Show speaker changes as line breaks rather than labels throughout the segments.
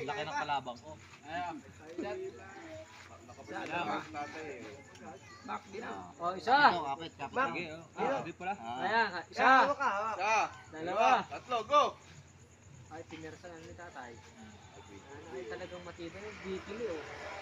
Laki ng kalabang ko.
Back din ah.
Oh, isa.
Kapit.
Bak.
Sige, kapit pala.
Ayan, isa.
Hawak ka, hawak.
Dalawa.
Tatlo, go!
Ay, pinirsa lang ni tatay. Ay, talagang matibay. Bikili, oh.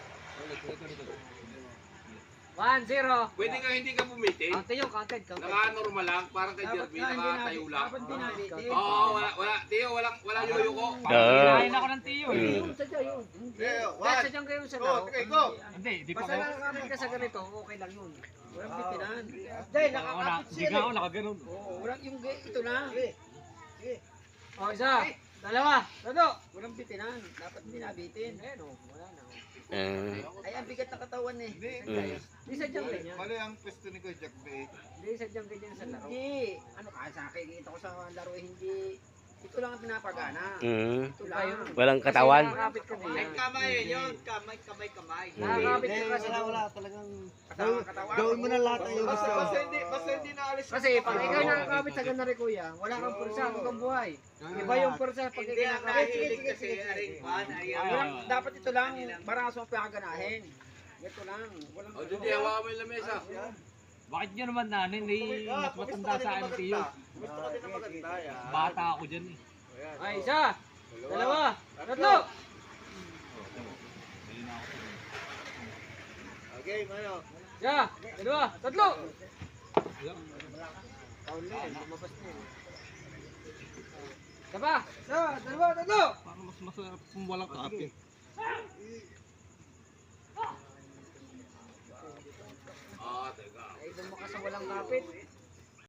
1-0.
Pwede nga hindi ka bumitin.
Counted.
Naka-normal lang, parang kay Jerby, nakatayo lang.
Dapat binabitin.
Oo, wala, Tiyo, walang yoyo ko.
Kinain ako ng tiyo eh.
Yun, sadya yun.
One,
Sadyang kayo sa
go,
laro.
okay, go!
Hindi, di pa
Basta
ako.
nakakamit ka sa ganito, okay lang yun. Walang bitinan.
Dahil
Wala,
nakakapit
di nga
siya.
ako nakaganon.
Oo, walang yung ito na.
Sige. Sige.
Oh, isa. Dalawa. Tatlo. Walang bitinan. Dapat binabitin. Ayan, oh. Wala na.
Ay, ang bigat ng katawan eh.
Hindi sadyang ganyan.
Mali ang pwesto ni Kuya Jack Bay.
Hindi sadyang ganyan sa laro.
Hindi. Ano ka sa akin? Kita ko sa laro eh, hindi. Ito lang ang pinapagana. Ito lang.
Walang katawan.
Kasi nakakapit ka din.
Kamay yun, kamay.
Nakakapit ka kasi.
talagang katawan. Gawin mo na lahat ng iyong gusto.
Basta hindi naalis.
Kasi pag ikaw nakakapit sa ganari kuya, wala kang pursa, hanggang buhay. Iba yung pursa pag ikaw nakakapit.
Dapat ito lang. Baraso ang pinakaganahin. Ito lang. Walang
O, Judy, hawakan mo yung lamesa.
Bakit nyo naman nanin? Mas matanda sa akin tiyo.
Gusto ko din na maganda yan.
Bata ako dyan eh.
Ay, isa. Dalawa. Tatlo.
Okay, mayo.
Isa. Dalawa. Tatlo. Kaul na yan. Lumabas na yan. Isa pa. Isa. Dalawa. Tatlo.
Parang mas masarap kung walang kapit.
Ah, teka.
Ay, doon mo ka sa walang kapit.